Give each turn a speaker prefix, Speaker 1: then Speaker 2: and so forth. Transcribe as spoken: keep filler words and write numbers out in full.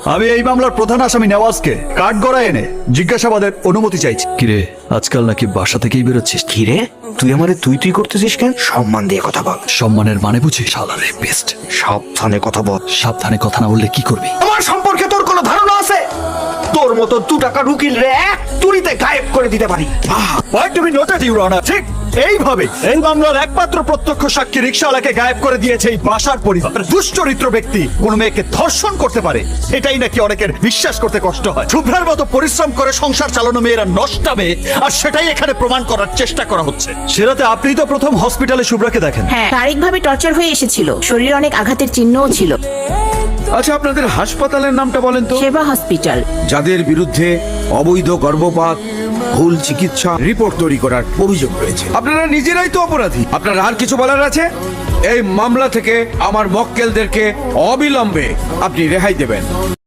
Speaker 1: আমি এই মামলার প্রধান আসামি নেওয়াজকে কাঠগড়ায় এনে জিজ্ঞাসাবাদের অনুমতি চাইছি। কিরে, আজকাল নাকি বাসা থেকেই বেরোচ্ছিস?
Speaker 2: কি রে, তুই আমারে তুই তুই করতেছিস কেন? সম্মান দিয়ে কথা বল।
Speaker 1: সম্মানের মানে বুঝিস? শালার রেপিস্ট।
Speaker 2: সাবধানে কথা বল।
Speaker 1: সাবধানে কথা না বললে কি করবি?
Speaker 2: আমার সম্পর্কে তোর কোনো ধারণা আছে? তোর মতো দু টাকার উকিল রে এক তুড়িতে গায়েব করে দিতে পারি।
Speaker 1: What do me noted your honour? ঠিক এইভাবে এই মামলার একমাত্র প্রত্যক্ষ সাক্ষী রিকশাওয়ালাকে গায়েব করে দিয়েছে এই বাসার পরিবার। দুশ্চরিত্র ব্যক্তি কোন মেয়েকে ধর্ষণ করতে পারে, এটাই নাকি অনেকের বিশ্বাস করতে কষ্ট হয়। শুভ্রার মতো পরিশ্রম করে সংসার চালানো মেয়েরা নষ্টাবে, আর সেটাই এখানে প্রমাণ করার চেষ্টা করা হচ্ছে। সেরাতে আপনি তো প্রথম হসপিটালে শুভ্রাকে দেখেন।
Speaker 3: হ্যাঁ, শারীরিকভাবে টর্চার হয়ে এসেছিল, শরীরে অনেক আঘাতের চিহ্নও ছিল।
Speaker 4: আচ্ছা, আপনাদের হাসপাতালের নামটা বলেন তো?
Speaker 3: সেবা হসপিটাল।
Speaker 4: যাদের বিরুদ্ধে অবৈধ গর্ভপাত, ভুল চিকিৎসা রিপোর্ট তৈরি করার অভিযোগ রয়েছে, আপনারা নিজেরাই তো অপরাধী। আপনার আর কিছু বলার আছে? এই মামলা থেকে আমার মক্কেলদেরকে অবিলম্বে আপনি রেহাই দেবেন।